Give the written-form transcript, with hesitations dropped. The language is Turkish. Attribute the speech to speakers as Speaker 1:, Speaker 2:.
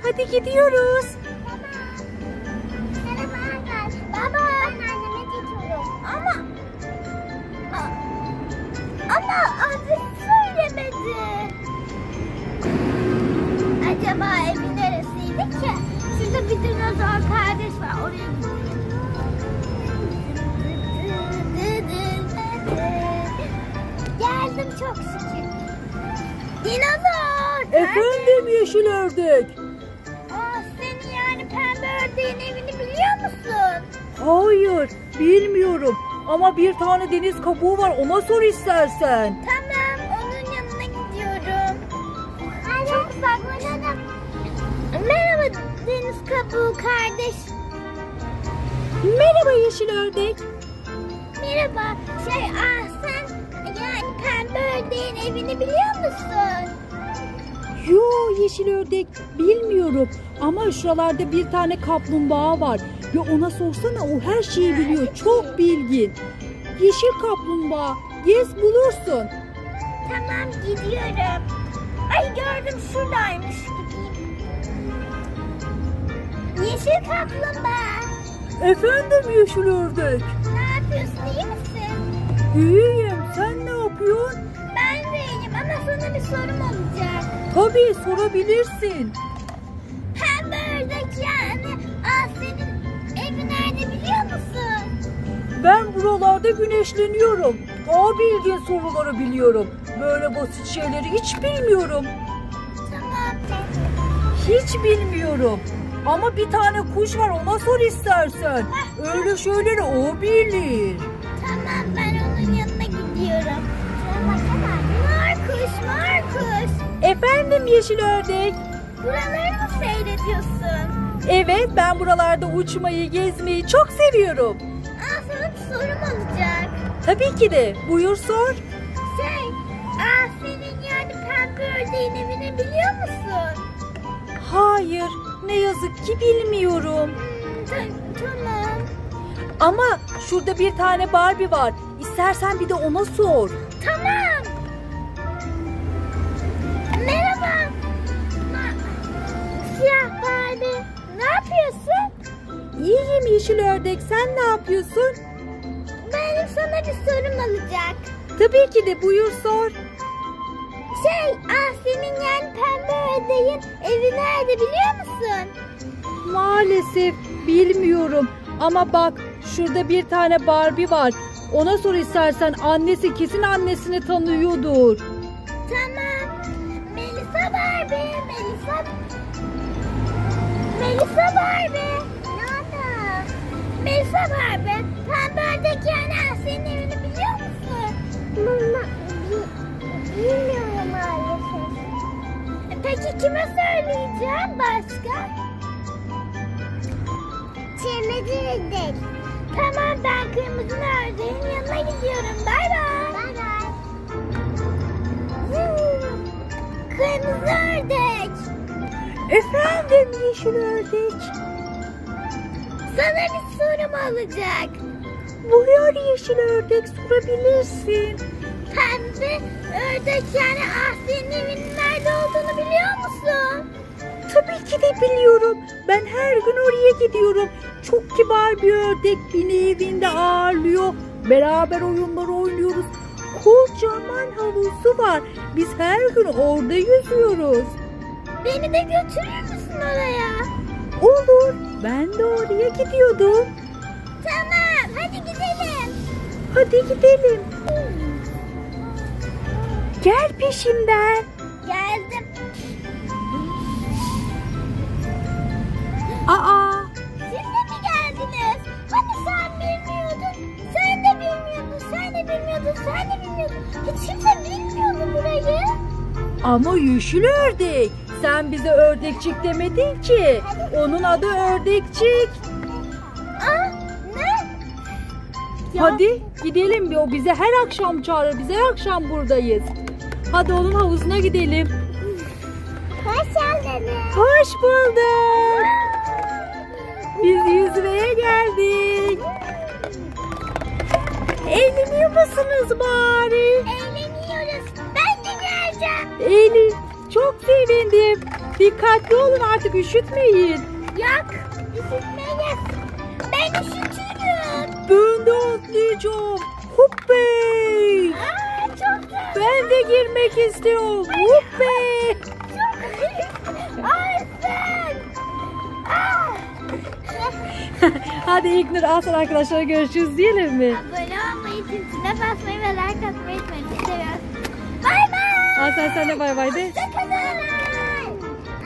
Speaker 1: Hadi gidiyoruz.
Speaker 2: Baba, ben anneme gidiyorum. Ama adresi söylemedi. Acaba evi neresiydi ki? Şurada bir dinozor kardeş var. Oraya geldim çok şükür. Dinozor!
Speaker 1: Efendim yeşil ördek.
Speaker 2: Senin yani pembe ördeğin evini biliyor musun?
Speaker 1: Hayır, bilmiyorum. Ama bir tane deniz kabuğu var, ona sor istersen.
Speaker 2: Tamam, onun yanına gidiyorum. Çok uzaklaşalım. Merhaba deniz kabuğu kardeş.
Speaker 1: Merhaba yeşil ördek.
Speaker 2: Merhaba. Sen yani pembe ördeğin evini biliyor musun?
Speaker 1: Yo yeşil ördek, bilmiyorum. Ama şuralarda bir tane kaplumbağa var. Ya ona sorsana, o her şeyi biliyor. Çok bilgin. Yeşil kaplumbağa, gez bulursun.
Speaker 2: Tamam, gidiyorum. Ay gördüm, şuradaymış, gideyim. Yeşil kaplumbağa.
Speaker 1: Efendim yeşil ördek.
Speaker 2: Ne yapıyorsun, iyi misin?
Speaker 1: İyiyim, sen ne yapıyorsun?
Speaker 2: Ben de iyiyim ama sana bir sorum olacak.
Speaker 1: Tabii, sorabilirsin.
Speaker 2: Pembe ördek yani. Senin evi nerede biliyor musun?
Speaker 1: Ben buralarda güneşleniyorum. Daha bildiğin soruları biliyorum. Böyle basit şeyleri hiç bilmiyorum.
Speaker 2: Tamam.
Speaker 1: Hiç bilmiyorum. Ama bir tane kuş var, ona sor istersen. Öyle şeyleri o bilir.
Speaker 2: Tamam, ben onun yanına gidiyorum. Şuna baksana. Markus.
Speaker 1: Efendim yeşil ördek.
Speaker 2: Buraları mı seyrediyorsun?
Speaker 1: Evet, ben buralarda uçmayı, gezmeyi çok seviyorum.
Speaker 2: Sana bir sorum olacak.
Speaker 1: Tabii ki de. Buyur sor.
Speaker 2: Senin yani pembe ördeğin evini biliyor musun?
Speaker 1: Hayır, ne yazık ki bilmiyorum.
Speaker 2: Tamam.
Speaker 1: Ama şurada bir tane Barbie var. İstersen bir de ona sor.
Speaker 2: Tamam. Merhaba. Siyah Barbie. Ne yapıyorsun?
Speaker 1: İyiyim yeşil ördek, sen ne yapıyorsun?
Speaker 2: Benim sana bir sorum olacak.
Speaker 1: Tabii ki de, buyur sor.
Speaker 2: Senin yani pembe ördeğin evi nerede biliyor musun?
Speaker 1: Maalesef bilmiyorum. Ama bak, şurada bir tane Barbie var. Ona sor istersen, annesi kesin annesini tanıyordur.
Speaker 2: Tamam. Melisa Barbie. Nerede? Melisa Barbie. Pembe ördek yani senin evini biliyor musun? Bilmiyorum maalesef. Peki kime söyleyeceğim başka? Kırmızı ördek. Tamam, ben kırmızı ördeğin yanına gidiyorum. Bay bay. Kırmızı ördek.
Speaker 1: Efendim yeşil ördek.
Speaker 2: Sana bir sorum olacak.
Speaker 1: Buyur yeşil ördek, sorabilirsin.
Speaker 2: Pembe ördek yani senin evinin nerede olduğunu biliyor musun?
Speaker 1: Tabii ki de biliyorum. Ben her gün oraya gidiyorum. Çok kibar bir ördek, beni evinde ağırlıyor. Beraber oyunlar oynuyoruz. Kocaman havuzu var. Biz her gün orada yüzüyoruz.
Speaker 2: Beni de götürür müsün oraya?
Speaker 1: Olur. Ben de oraya gidiyordum.
Speaker 2: Tamam, hadi gidelim.
Speaker 1: Hadi gidelim. Gel peşimden.
Speaker 2: Geldim.
Speaker 1: Aa,
Speaker 2: Siz de mi geldiniz? Hani sen bilmiyordun. Sen de bilmiyordun. Hiç kimse bilmiyordu burayı.
Speaker 1: ama yeşil ördek. Sen bize ördekçik demedin ki. Onun adı ördekçik.
Speaker 2: Ne?
Speaker 1: Hadi gidelim. O bize her akşam çağırır. Biz her akşam buradayız. Hadi onun havuzuna gidelim.
Speaker 2: Hoş geldiniz.
Speaker 1: Hoş bulduk. Biz yüzmeye geldik. Eğleniyor musunuz bari?
Speaker 2: Eğleniyoruz. Ben de geleceğim.
Speaker 1: Eğlen. Çok sevindim. Dikkatli olun artık, üşütmeyin.
Speaker 2: Yok. Üşütmeyiz. Ben üşütürüm.
Speaker 1: Ben de atlayacağım. Hoppey.
Speaker 2: Aa, çok güzel.
Speaker 1: Ben de girmek istiyorum. Hoppey.
Speaker 2: Çok Ay sen. Aa.
Speaker 1: Hadi İlknur, al sana arkadaşlara görüşürüz diyelim mi?
Speaker 2: Abone olmayı, zincirine basmayı ve like atmayı unutmayın. Seviyoruz. Bay bay.
Speaker 1: Al sen de bay bay de.
Speaker 2: Hoşçakalın.